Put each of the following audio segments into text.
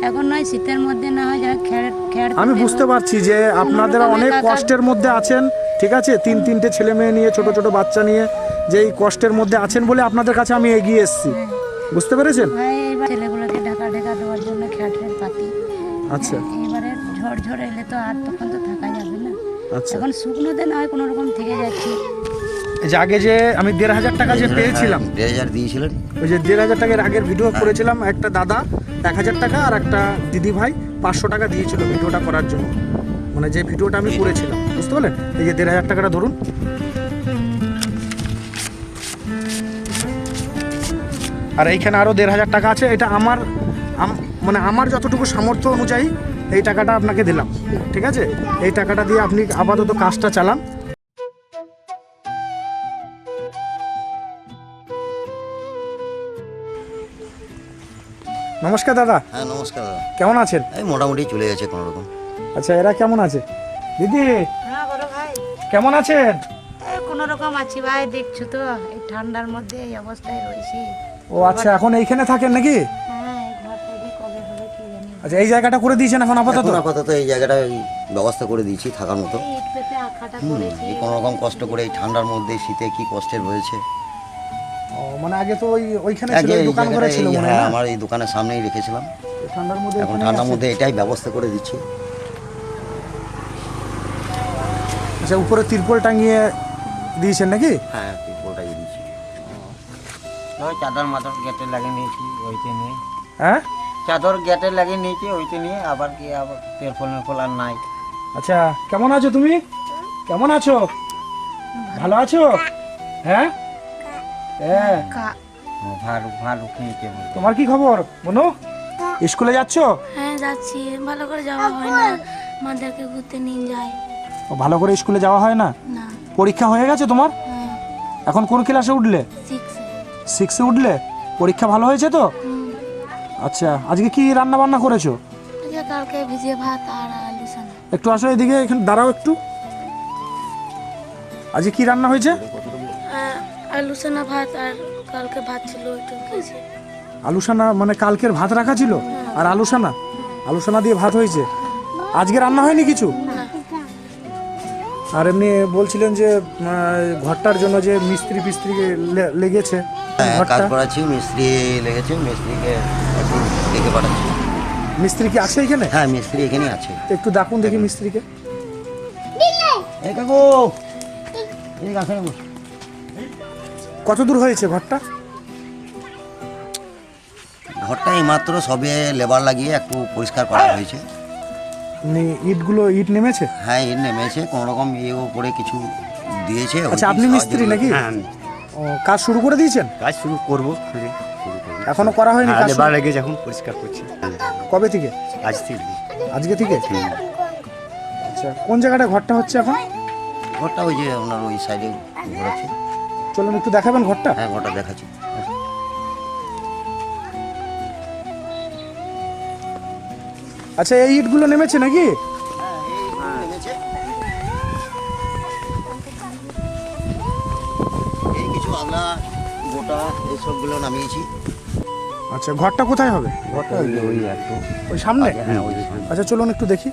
এখন নয় শীতের মধ্যে না হয় যা খেড় আমি বুঝতে পারছি যে আপনারা অনেক কষ্টের মধ্যে আছেন, ঠিক আছে, তিনটে ছেলে মেয়ে নিয়ে, ছোট ছোট বাচ্চা নিয়ে, যে এই কষ্টের মধ্যে আছেন বলে আপনাদের কাছে আমি এগিয়ে এসেছি, বুঝতে পেরেছেন? এইবার ছেলেগুলোকে ঢাকা দেওয়ার জন্য খেড় পাতি। আচ্ছা, এবারে ঝড় এলে তো আর তখন তো থাকা যাবে না। আচ্ছা। এখন শুকনোতে না হয় কোনো রকম থেকে যাচ্ছি। এই যে আগে যে আমি 1,500 টাকা যে পেয়েছিলাম, 1,500 দিয়েছিলেন, ওই যে 1,500 টাকার আগের ভিডিও করেছিলাম, একটা দাদা 1,000 টাকা আর একটা দিদি ভাই 500 টাকা দিয়েছিল ভিডিওটা করার জন্য, মানে যে ভিডিওটা আমি করেছিলাম, বুঝতে পারলেন? এই যে 1,500 টাকাটা ধরুন। আর এইখানে আরও 1,500 টাকা আছে, এটা আমার মানে আমার যতটুকু সামর্থ্য অনুযায়ী এই টাকাটা আপনাকে দিলাম, ঠিক আছে? এই টাকাটা দিয়ে আপনি আপাতত কাজটা চালান। নমস্কার দাদা। হ্যাঁ নমস্কার দাদা, কেমন আছেন? এই মোটামুটি চলে গেছে কোনো রকম। আচ্ছা, এরা কেমন আছে? দিদি হ্যাঁ বড় ভাই, কেমন আছেন? কোনো রকম আছি ভাই, দেখছো তো এই ঠান্ডার মধ্যে এই অবস্থায় রয়েছি। ও আচ্ছা, এখন এইখানে থাকেন নাকি? হ্যাঁ, এই ঘরটা যে কবে হবে কি জানি। আচ্ছা, এই জায়গাটা করে দিয়েছেন এখন আপাতত? এখন আপাতত এই জায়গাটা ব্যবস্থা করে দিয়েছি থাকার মতো। এই ইট পেতে আঁকাটা করেছি। এই কোনো রকম কষ্ট করে এই ঠান্ডার মধ্যে শীতে কি কষ্টের হয়েছে। ও মানে আগে তো ওইখানে ছিল, আগে এই এই দোকান করে জায়গাটা ছিল মনে হয় হ্যাঁ না? আমার এই দোকানের সামনেই রেখেছিলাম। এই ঠান্ডার মধ্যে এখন এখানে ঠান্ডার আছে। মধ্যে এটাই ব্যবস্থা করে দিচ্ছি। আচ্ছা, উপরে তিরপল টাঙিয়ে দিয়েছেন নাকি? হ্যাঁ তিরপলটাই দিচ্ছি। ওই চাদর মাদর গেটে লাগিয়ে নিয়েছি ওইতে নিয়ে, হ্যাঁ। চাদর গেটে লাগিয়ে নিয়েছি ওইতে নিয়ে, আবার কি আবার তেরফল আর নাই। আচ্ছা, কেমন আছো তুমি? কেমন আছো? ভালো আছো? হ্যাঁ হ্যাঁ। ভালো ভালো খেয়েছে। তোমার কি খবর বনু? স্কুলে যাচ্ছো? হ্যাঁ যাচ্ছি, ভালো করে যাওয়া হয় না, মাদেরকে ঘুরতে নিয়ে যায় ও, ভালো করে স্কুলে যাওয়া হয় না? না। পরীক্ষা হয়ে গেছে তোমার? হ্যাঁ এখন কোন ক্লাসে উঠলে? 6 6-এ উঠলে? পরীক্ষা ভালো হয়েছে তো? আচ্ছা, আজকে কি রান্না বান্না করেছো? আজকে কালকে ভিজে ভাত আর আলু সানা। একটু আসো এদিকে, এখানে দাঁড়াও একটু। আজকে কি রান্না হয়েছে? আলু সানা ভাত আর কালকে ভাত ছিল ওইটু খেয়েছি। আলুসানা মানে কালকের ভাত রাখা ছিল আর আলুসানা, আলুসানা দিয়ে ভাত হয়েছে। আজকে রান্না হয়নি কিছু? আর এমনি বলছিলেন যে ঘরটার জন্য যে মিস্ত্রি ফিস্ত্রি লেগেছে, হ্যাঁ কাজ ঘরটা করাচ্ছি, মিস্ত্রি লেগেছে, মিস্ত্রিকে একটু ডেকে পাঠাচ্ছি। মিস্ত্রি কি আছে এখানে? হ্যাঁ মিস্ত্রি এখানেই আছে। একটু ডাকুন দেখি মিস্ত্রিকে। এই কাকু এই কাছে কত দূর হয়েছে ঘরটা? ঘরটা এইমাত্র সবে লেবার লাগিয়ে একটু পরিষ্কার করা হয়েছে। ইট নেমেছে? হ্যাঁ ইট নেমেছে, কোনো রকম ইয়ে করে কিছু দিয়েছে। আচ্ছা, আপনি মিস্ত্রি নাকি? হ্যাঁ আমি ও, কাজ শুরু করে দিয়েছেন? কাজ শুরু করবো, এখনো করা হয়নি কাজ? লেবার লেগে যখন পরিষ্কার করছি কবে থেকে? আজ থেকে। আজকে থেকে? আচ্ছা, কোন জায়গাটা ঘরটা হচ্ছে এখন? ঘরটা ওই যে ওনার ওই সাইডে ঘোরাচ্ছে। চলুন একটু দেখাবেন ঘরটা। হ্যাঁ ঘরটা দেখাচ্ছি। আচ্ছা, এই ইটগুলো নেমেছে নাকি? এই কিছু আমরা গোটা এইসবগুলো নামিয়েছি। আচ্ছা, ঘরটা কোথায় হবে? ঘরটা ওই একটু ওই সামনে? হ্যাঁ ওই সামনে। আচ্ছা, চলুন একটু দেখি।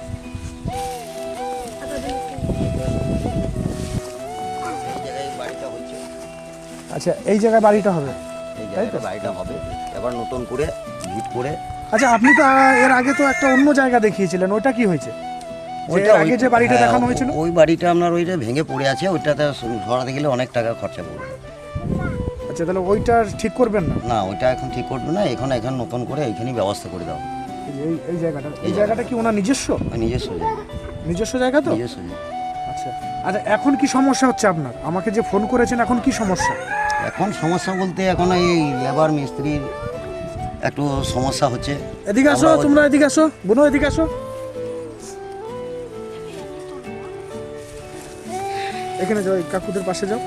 এই জায়গায় বাড়িটা হচ্ছে, আচ্ছা, এই জায়গায় বাড়িটা হবে? এই জায়গায় বাড়িটা হবে এবার নতুন করে ভিট করে। আচ্ছা, আপনি তো এর আগে তো একটা অন্য জায়গা দেখিয়েছিলেন, ওইটা কি হয়েছে? ওইটা আগে যে বাড়িটা হ্যাঁ, দেখানো হয়েছিল? ওই বাড়িটা আপনার ওইটা ভেঙে পড়ে আছে, ওইটাতে সরাতে গেলে অনেক টাকা খরচা পড়বে। আচ্ছা, তাহলে ওইটা ঠিক করবেন না? না ওইটা এখন ঠিক করবে না, এখন নতুন করে এইখানেই ব্যবস্থা করে দাও। এই যে এই জায়গাটা, এই জায়গাটা কি ওনার নিজস্ব? নিজস্ব জায়গা, নিজস্ব জায়গা তো? নিজস্ব জায়গা। আচ্ছা, আচ্ছা, এখন কি সমস্যা হচ্ছে আপনার? আমাকে যে ফোন করেছেন, এখন কি সমস্যা? এখন সমস্যা বলতে এখন এই লেবার মিস্ত্রির একটু সমস্যা হচ্ছে। এদিকে আসো, আমরা ওই- তোমরা এদিকে আসো, বোনো এদিকে আসো। এখানে যাও, এই কাকুদের পাশে যাও।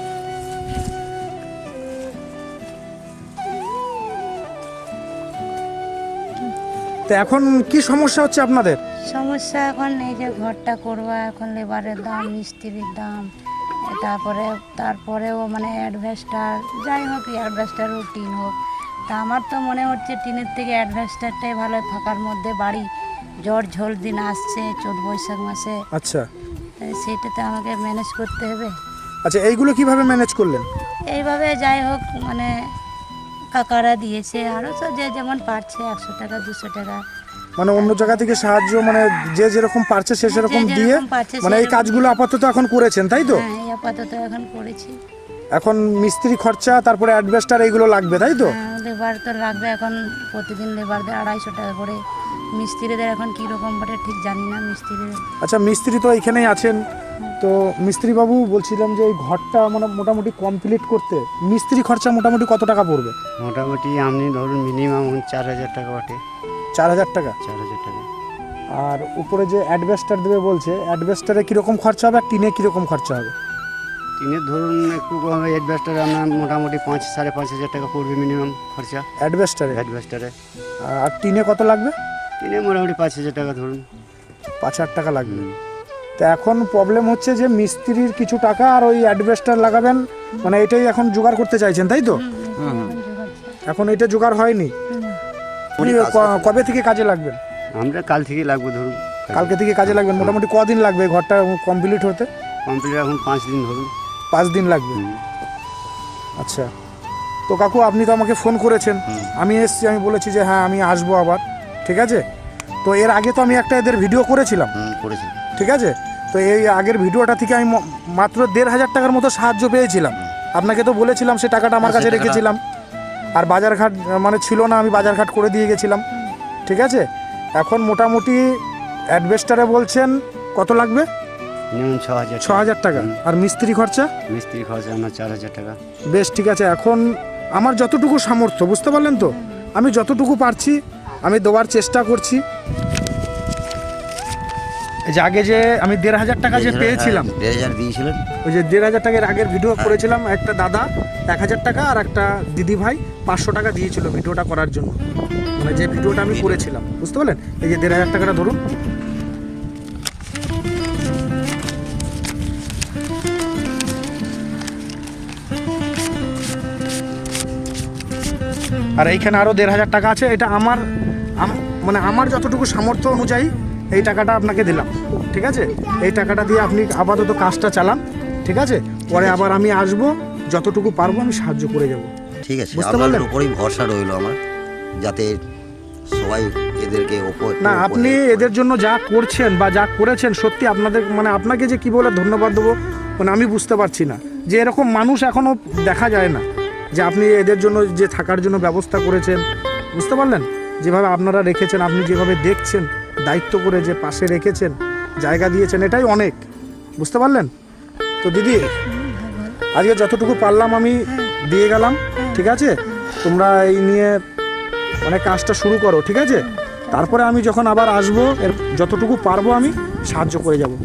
তো এখন কি সমস্যা হচ্ছে আপনাদের? সমস্যা এখন এই যে ঘরটা করবা, এখন লেবারের দাম, মিস্ত্রির দাম, তারপরেও মানে অ্যাডভেস্টার, যাই হোক অ্যাডভেস্টার টিন হোক, তা আমার তো মনে হচ্ছে টিনের থেকে অ্যাডভেস্টারটাই ভালো, ফাঁকার মধ্যে বাড়ি, ঝড় ঝোল দিন আসছে চৈত বৈশাখ মাসে, আচ্ছা তাই সেইটাতে আমাকে ম্যানেজ করতে হবে। আচ্ছা, এইগুলো কিভাবে ম্যানেজ করলেন? এইভাবে যাই হোক মানে কাকারা দিয়েছে, আরও সব যে যেমন পারছে 100 টাকা 200 টাকা, মানে অন্য জায়গা থেকে সাহায্য, মানে যে যেরকম পারছে সে সেরকম যে দিয়ে, যেরকম পারছে মানে এই সেরকম কাজগুলো আপাতত এখন করেছেন, তাই তো? হ্যাঁ এই আপাতত এখন করেছি। এখন মিস্ত্রি খরচা, তারপরে অ্যাডভেস্টার, এইগুলো লাগবে, তাই তো? লেবার তো লাগবে, এখন প্রতিদিন লেবারদের 250 টাকা করে, মিস্ত্রিদের এখন কীরকম বটে ঠিক জানি না মিস্ত্রিদের। আচ্ছা, মিস্ত্রি তো এখানেই আছেন, তো মিস্ত্রি বাবু বলছিলাম যে এই ঘরটা মানে মোটামুটি কমপ্লিট করতে মিস্ত্রি খরচা মোটামুটি কত টাকা পড়বে? মোটামুটি আপনি ধরুন মিনিমাম 4000 টাকা বটে। 4000 টাকা। 4000 টাকা। আর উপরে যে অ্যাডভেস্টার দেবে বলছে, অ্যাডভেস্টারে কীরকম খরচা হবে আর টিনে কীরকম খরচা হবে? টিনের ধরুন একটু কম হবে, অ্যাডভেস্টারে আপনার মোটামুটি 5-5.5 টাকা পড়বে মিনিমাম খরচা অ্যাডভেস্টারে। অ্যাডভেস্টারে। আর টিনে কত লাগবে? টিনে মোটামুটি 5000 টাকা ধরুন। 5000 টাকা লাগবে। তো এখন প্রবলেম হচ্ছে যে মিস্ত্রির কিছু টাকা আর ওই অ্যাডভেস্টার লাগাবেন, মানে এটাই এখন জোগাড় করতে চাইছেন, তাই তো? এখন এটা জোগাড় হয়নি। আপনি কবে থেকে কাজে লাগবেন? আমরা কাল থেকে লাগবো ধরুন। কালকে থেকে কাজে লাগবেন। মোটামুটি কদিন লাগবে এই ঘরটা কমপ্লিট হতে? কমপ্লিট এখন 5 দিন ধরুন। 5 দিন লাগবে। আচ্ছা, তো কাকু আপনি তো আমাকে ফোন করেছেন, আমি এসছি, আমি বলেছি যে হ্যাঁ আমি আসবো আবার, ঠিক আছে? তো এর আগে তো আমি একটা এদের ভিডিও করেছিলাম, করেছি। ঠিক আছে? তো এই আগের ভিডিওটা থেকে আমি মাত্র 1500 টাকার মতো সাহায্য পেয়েছিলাম। আপনাকে তো বলেছিলাম সে টাকাটা আমার কাছে রেখেছিলাম, আর বাজারঘাট মানে ছিল না, আমি বাজারঘাট করে দিয়ে গেছিলাম, ঠিক আছে? এখন মোটামুটি অ্যাডভেস্টারে বলছেন কত লাগবে? মিনিমাম 6000 6000 টাকা। আর মিস্ত্রি খরচা? মিস্ত্রি খরচা আমার 4000 টাকা। বেশ, ঠিক আছে। এখন আমার যতটুকু সামর্থ্য, বুঝতে পারলেন তো, আমি যতটুকু পারছি আমি দেওয়ার চেষ্টা করছি। এই যে আগে যে আমি 1500 টাকা যে পেয়েছিলাম, 1500 দিয়েছিলেন, ওই যে 1500 টাকার আগের ভিডিও করেছিলাম, একটা দাদা 1000 টাকা আর একটা দিদি ভাই 500 টাকা দিয়েছিল ভিডিওটা করার জন্য, মানে যে ভিডিওটা আমি করেছিলাম, বুঝতে পারলেন? এই যে 1500 টাকাটা ধরুন। আর এইখানে আরও 1500 টাকা আছে, এটা আমার মানে আমার যতটুকু সামর্থ্য অনুযায়ী এই টাকাটা আপনাকে দিলাম, ঠিক আছে? এই টাকাটা দিয়ে আপনি আপাতত কাজটা চালান, ঠিক আছে? পরে আবার আমি আসবো, যতটুকু পারবো আমি সাহায্য করে যাব। ঠিক আছে, বুঝতে পারলেন? আপনার উপরেই ভরসা রইলো আমার, যাতে সবাই এদেরকে না, আপনি এদের জন্য যা করছেন বা যা করেছেন, সত্যি আপনাদের মানে আপনাকে যে কি বলে ধন্যবাদ দেবো মানে আমি বুঝতে পারছি না, যে এরকম মানুষ এখনও দেখা যায় না, যে আপনি এদের জন্য যে থাকার জন্য ব্যবস্থা করেছেন, বুঝতে পারলেন? যেভাবে আপনারা রেখেছেন, আপনি যেভাবে দেখছেন, দায়িত্ব করে যে পাশে রেখেছেন, জায়গা দিয়েছেন, এটাই অনেক, বুঝতে পারলেন তো? দিদি, আজকে যতটুকু পারলাম আমি দিয়ে গেলাম, ঠিক আছে? তোমরা এই নিয়ে মানে কাজটা শুরু করো, ঠিক আছে? তারপরে আমি যখন আবার আসবো, এর যতটুকু পারবো আমি সাহায্য করে যাব।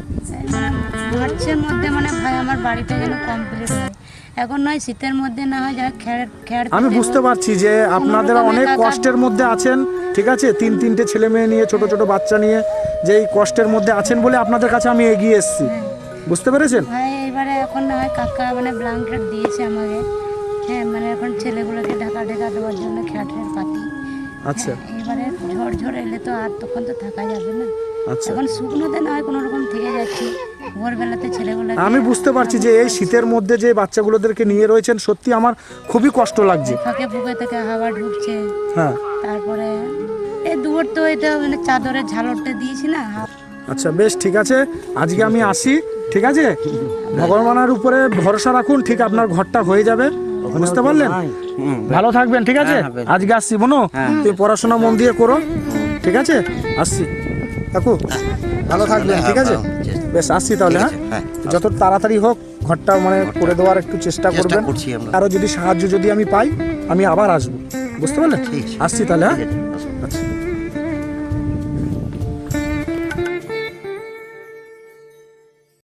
মার্চের মধ্যে মানে ভাই আমার বাড়িটা যেন কমপ্লিট হয়, এখন নয় শীতের মধ্যে না হয়, যা খেয়ার আমি বুঝতে পারছি যে আপনারা অনেক কষ্টের মধ্যে আছেন, ঠিক আছে? 3-3টে ছেলে মেয়ে নিয়ে, ছোট ছোট বাচ্চা নিয়ে যে এই কষ্টের মধ্যে আছেন বলে আপনাদের কাছে আমি এগিয়ে এসেছি, বুঝতে পেরেছেন? ভাই এবারে এখন না হয় কাকা মানে ব্ল্যাঙ্কেট দিয়েছে আমাকে, হ্যাঁ মানে এখন ছেলেগুলোকে ঢাকা দেওয়ার জন্য খেয়াটের পাতি। আচ্ছা, এবারে ঝড় এলে তো আর তখন তো থাকা যাবে না, আচ্ছা। এখন শুকনোতে না হয় কোনো রকম থেকে যাচ্ছি, ভোরবেলাতে ছেলেগুলো আমি বুঝতে পারছি যে এই শীতের মধ্যে যে বাচ্চাগুলোদেরকে নিয়ে রয়েছেন, সত্যি আমার খুবই কষ্ট লাগছে। ফাঁকে ফুঁকে থেকে হাওয়া ঢুকছে, হ্যাঁ, তারপরে এই দুয়ার তো এটা মানে চাদরের ঝালরটা দিয়েছি না। আচ্ছা, বেশ, ঠিক আছে। আজকে আমি আসি, ঠিক আছে? ভগবানের উপরে ভরসা রাখুন, ঠিক আপনার ঘরটা হয়ে যাবে, বুঝতে পারলেন? ভালো থাকবেন, ঠিক আছে? আজকে আসছি, বোনো তুমি পড়াশোনা মন দিয়ে করো, ঠিক আছে? আসছি কাকু, ভালো থাকবেন, ঠিক আছে? বেশ, আসছি তাহলে। হ্যাঁ, যত তাড়াতাড়ি হোক ঘরটা মানে করে দেওয়ার একটু চেষ্টা করবেন। আরও যদি সাহায্য যদি আমি পাই, আমি আবার আসবো, বুঝতে পারলেন? আসছি তাহলে। হ্যাঁ, আচ্ছা।